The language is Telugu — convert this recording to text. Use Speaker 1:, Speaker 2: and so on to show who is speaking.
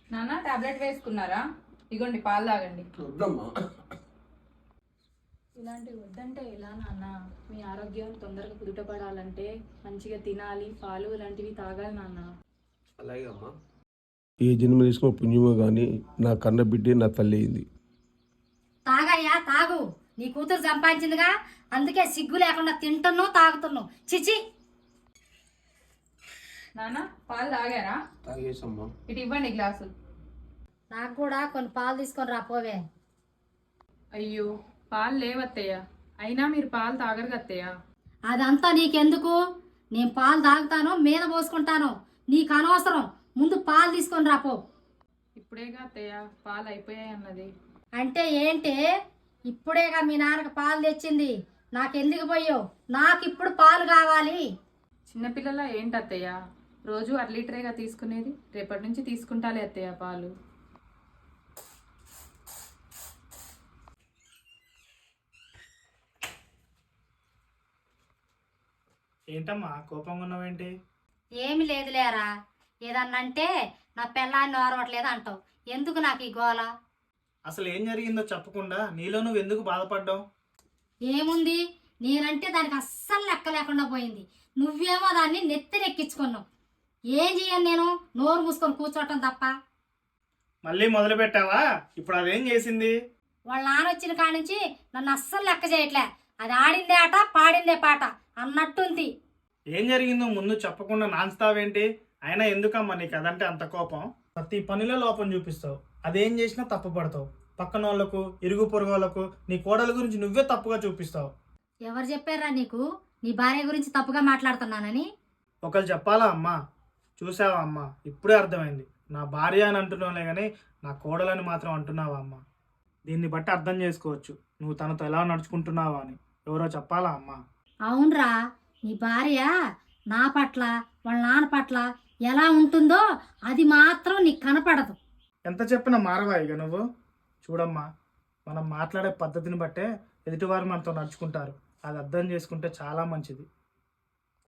Speaker 1: నాన్న టాబ్లెట్ వేసుకున్నారా? ఇగోండి పాలు తాగండి. ఇలాంటివి వద్దంటే ఎలా నాన్న? మీ ఆరోగ్యం తొందరగా కుదుటపడాలంటే మంచిగా తినాలి, పాలు ఇలాంటివి తాగాలి నాన్న.
Speaker 2: అలాగే అమ్మా.
Speaker 3: ఏ జన్మ తీసుకున్న పుణ్యమో కానీ నా కన్న బిడ్డే నా తల్లి అయింది.
Speaker 4: తాగయ్యా తాగు, నీ కూతురు సంపాదించిందిగా, అందుకే సిగ్గు లేకుండా తింటున్నావు తాగుతున్నావు. చిచి.
Speaker 1: నాన్న పాలు తాగారా?
Speaker 2: తాగేసమ్మా.
Speaker 1: ఇటు ఇవ్వండి గ్లాసు.
Speaker 4: నాకు కూడా కొన్ని పాలు తీసుకొని రా పోవే.
Speaker 1: అయ్యో పాలు లేవత్తయ్య. అయినా మీరు పాలు తాగరు అత్తయ్య.
Speaker 4: అదంతా నీకెందుకు? నేను పాలు తాగుతాను, మీద పోసుకుంటాను, నీకు అనవసరం. ముందు పాలు తీసుకొని రాపో.
Speaker 1: ఇప్పుడేగా అత్తయ్య పాలు అయిపోయాయి అన్నది.
Speaker 4: అంటే ఏంటి? ఇప్పుడేగా మీ నాన్నకి పాలు తెచ్చింది, నాకెందుకు పోయావు? నాకు ఇప్పుడు పాలు కావాలి.
Speaker 1: చిన్నపిల్లల ఏంటి అత్తయ్య? రోజు 1 లీటరేగా తీసుకునేది. రేపటి నుంచి తీసుకుంటాలే అత్తయ్య పాలు.
Speaker 5: ఏంటమ్మా కోపంగా ఉన్నావేంటి?
Speaker 4: ఏమి లేదులేరా, ఏదన్నంటే నా పెళ్ళాన్ని ఓరవట్లేదు అంటావు. ఎందుకు నాకు ఈ గోల?
Speaker 5: అసలు ఏం జరిగిందో చెప్పకుండా నీలో నువ్వు ఎందుకు బాధపడ్డావు?
Speaker 4: ఏముంది, నేనంటే దానికి అస్సలు లెక్క లేకుండా పోయింది. నువ్వేమో దాన్ని నెత్తినెక్కించుకున్నావు. ఏం చెయ్యను నేను? నోరు మూసుకొని కూర్చోవటం తప్ప.
Speaker 5: మళ్ళీ మొదలు పెట్టావా? ఇప్పుడు అదేం చేసింది?
Speaker 4: వాళ్ళ నాన్న వచ్చిన కాడి నుంచి నన్ను అస్సలు లెక్క చేయట్లే. అది ఆడిందే ఆట, పాడిందే పాట అన్నట్టుంది.
Speaker 5: ఏం జరిగిందో ముందు చెప్పకుండా నాన్స్తావేంటి? అయినా ఎందుకమ్మా నీకు అదంటే అంత కోపం? ప్రతి పనిలో లోపం చూపిస్తావు, అదేం చేసినా తప్పు పడతావు. పక్కన వాళ్ళకు, ఇరుగు పొరుగు వాళ్ళకు నీ కోడల గురించి నువ్వే తప్పుగా చూపిస్తావు.
Speaker 4: ఎవరు చెప్పారా నీకు నీ భార్య గురించి తప్పుగా మాట్లాడుతున్నానని?
Speaker 5: ఒకరు చెప్పాలా అమ్మా? చూసావా అమ్మా, ఇప్పుడే అర్థమైంది. నా భార్య అని అంటున్నావులే కానీ నా కోడలని మాత్రం అంటున్నావా అమ్మా? దీన్ని బట్టి అర్థం చేసుకోవచ్చు నువ్వు తనతో ఎలా నడుచుకుంటున్నావా అని. ఎవరో చెప్పాలా అమ్మా?
Speaker 4: అవునరా, నీ భార్య నా పట్ల, వాళ్ళ నాన్న పట్ల ఎలా ఉంటుందో అది మాత్రం నీకు కనపడదు.
Speaker 5: ఎంత చెప్పినా మారవా ఇక నువ్వు? చూడమ్మా, మనం మాట్లాడే పద్ధతిని బట్టే ఎదుటివారు మనతో నడుచుకుంటారు. అది అర్థం చేసుకుంటే చాలా మంచిది.